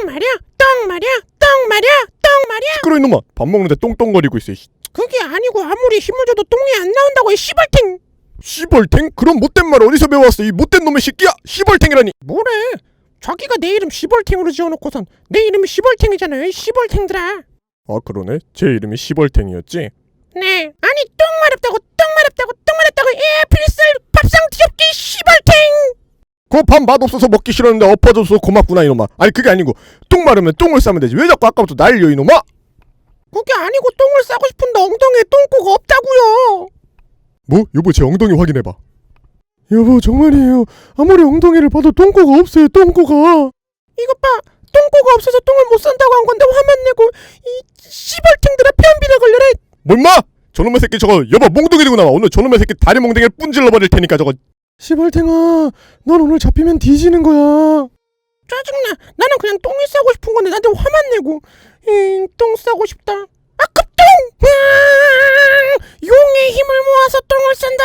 말이야, 똥 말이야, 똥 말이야, 똥 말이야. 시끄러 이놈아. 밥 먹는데 똥똥거리고 있어. 그게 아니고 아무리 힘을 줘도 똥이 안 나온다고 이 씨발탱. 시벌탱? 그런 못된 말 어디서 배워왔어? 이 못된 놈의 새끼야. 시벌탱이라니. 뭐래? 자기가 내 이름 시벌탱으로 지어놓고선 내 이름이 시벌탱이잖아요, 이 씨벌탱들아. 아 그러네. 제 이름이 시벌탱이었지. 네. 아니 똥 마렵다고 필슬 밥상 뒤엎기 씨벌탱. 그 밥 맛없어서 먹기 싫었는데 엎어줘서 고맙구나 이놈아. 아니 그게 아니고 똥 마르면 똥을 싸면 되지. 왜 자꾸 아까부터 날려 이놈아? 그게 아니고 똥을 싸고 싶은데 엉덩이에 똥꼬가 없다고요. 뭐? 여보 제 엉덩이 확인해봐. 여보 정말이에요. 아무리 엉덩이를 봐도 똥꼬가 없어요. 똥꼬가. 이것 봐. 똥꼬가 없어서 똥을 못 산다고 한 건데 화만 내고 이 씨벌탱들아 변비나 걸려라. 뭐 임마? 저놈의 새끼 저거 여보 몽둥이 들고 나와. 오늘 저놈의 새끼 다리 몽둥이를 분질러 버릴 테니까 저거. 시벌탱아 넌 오늘 잡히면 뒤지는 거야. 짜증나. 나는 그냥 똥이 싸고 싶은 건데 나한테 화만 내고 똥 싸고 싶다. 아 급똥! 용의 힘을 모아서 똥을 싼다.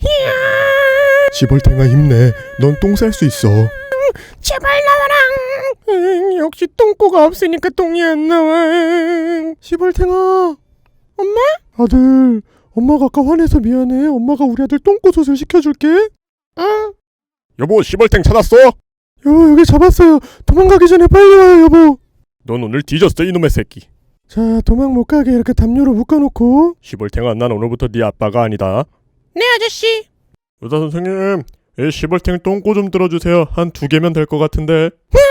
시벌탱아 힘내. 넌 똥 쌀 수 있어. 제발 나와라. 역시 똥꼬가 없으니까 똥이 안 나와. 시벌탱아. 엄마? 아들 엄마가 아까 화내서 미안해. 엄마가 우리 아들 똥꼬솥을 시켜줄게. 응. 여보 시벌탱 찾았어? 여보 여기 잡았어요. 도망가기 전에 빨리 와요 여보. 넌 오늘 뒤졌어 이놈의 새끼. 자 도망 못 가게 이렇게 담요로 묶어놓고. 시벌탱아 난 오늘부터 네 아빠가 아니다. 네 아저씨. 의사 선생님 이 시벌탱 똥꼬 좀 들어주세요. 한 2개면 될 것 같은데.